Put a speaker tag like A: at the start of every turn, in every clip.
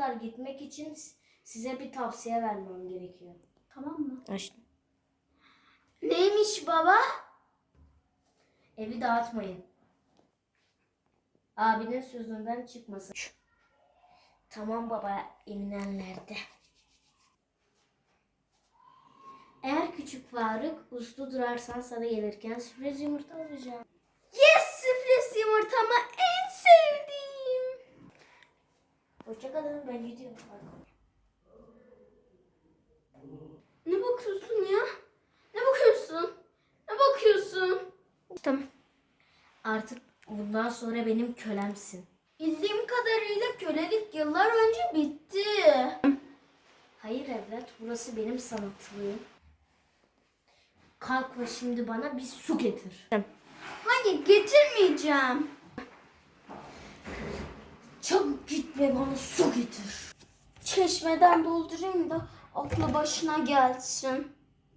A: çocuklar, gitmek için size bir tavsiye vermem gerekiyor.
B: Tamam mı?
A: Açtım.
B: Neymiş baba?
A: Evi dağıtmayın. Abinin sözünden çıkmasın. Tamam baba, eminenlerde. Eğer küçük Faruk uslu durarsan sana gelirken sürpriz yumurta alacağım.
B: Yes, sürpriz yumurtamı en sevdiğim.
A: Hoşçakalın, ben gidiyorum.
B: Ne bakıyorsun ya? Ne bakıyorsun? Ne bakıyorsun? Tamam.
A: Artık bundan sonra benim kölemsin.
B: Bildiğim kadarıyla kölelik yıllar önce bitti.
A: Hayır evlat, burası benim sanatlığım. Kalk ve şimdi bana bir su getir.
B: Hayır, getirmeyeceğim.
A: Çabuk git ve bana su getir.
B: Çeşmeden doldurayım da aklı başına gelsin.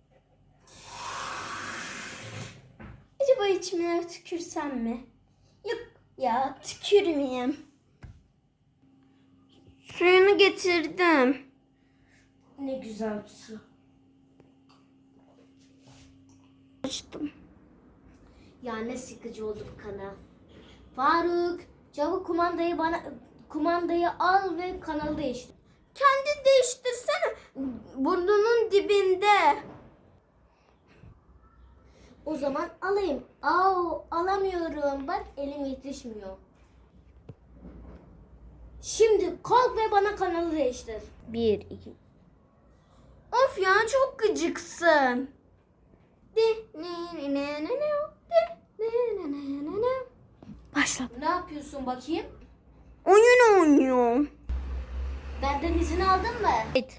B: Acaba içmeye tükürsem mi? Yok ya, tükürmeyeyim. Suyunu getirdim.
A: Ne güzel bir su.
B: Açtım.
A: Ya ne sıkıcı oldu bu kanal. Faruk, çabuk kumandayı al ve kanalı değiştir.
B: Kendi değiştirsene. Burnunun dibinde.
A: O zaman alayım. Alamıyorum. Bak elim yetişmiyor. Şimdi kalk ve bana kanalı değiştir. 1, 2.
B: Of ya, çok gıcıksın. Başla.
A: Ne yapıyorsun bakayım?
B: Oyun oynuyorum.
A: Benden izin aldın mı?
B: Evet.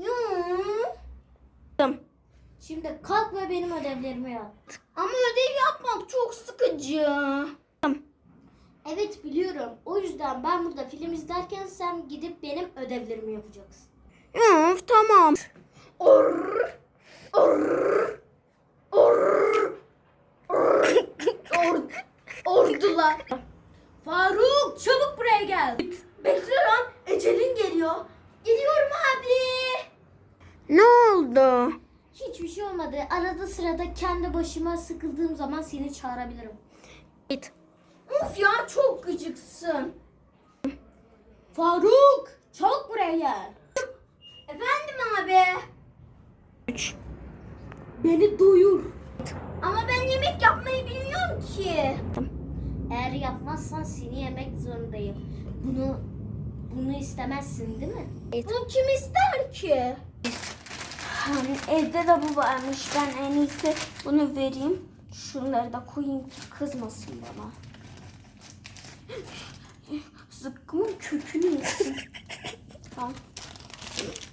B: Tamam.
A: Şimdi kalk ve benim ödevlerimi yap.
B: Ama ödev yapmak çok sıkıcı. Tamam.
A: Evet biliyorum. O yüzden ben burada film izlerken sen gidip benim ödevlerimi yapacaksın.
B: Of, tamam. Ordular.
A: Faruk çabuk buraya gel.
B: Bekle lan, ecelin geliyor. Geliyorum abi. Ne oldu?
A: Hiçbir şey olmadı. Arada sırada kendi başıma sıkıldığım zaman seni çağırabilirim.
B: Evet. Of ya, çok gıcıksın.
A: Faruk çabuk buraya gel.
B: Efendim abi.
A: Beni doyur.
B: Ama ben yemek yapmayı bilmiyorum ki.
A: Eğer yapmazsan seni yemek zorundayım. Bunu istemezsin değil mi?
B: Bunu kim ister ki? Evde de bu varmış. Ben en iyisi bunu vereyim. Şunları da koyayım ki kızmasın bana. Zıkkımın kökünü yesin.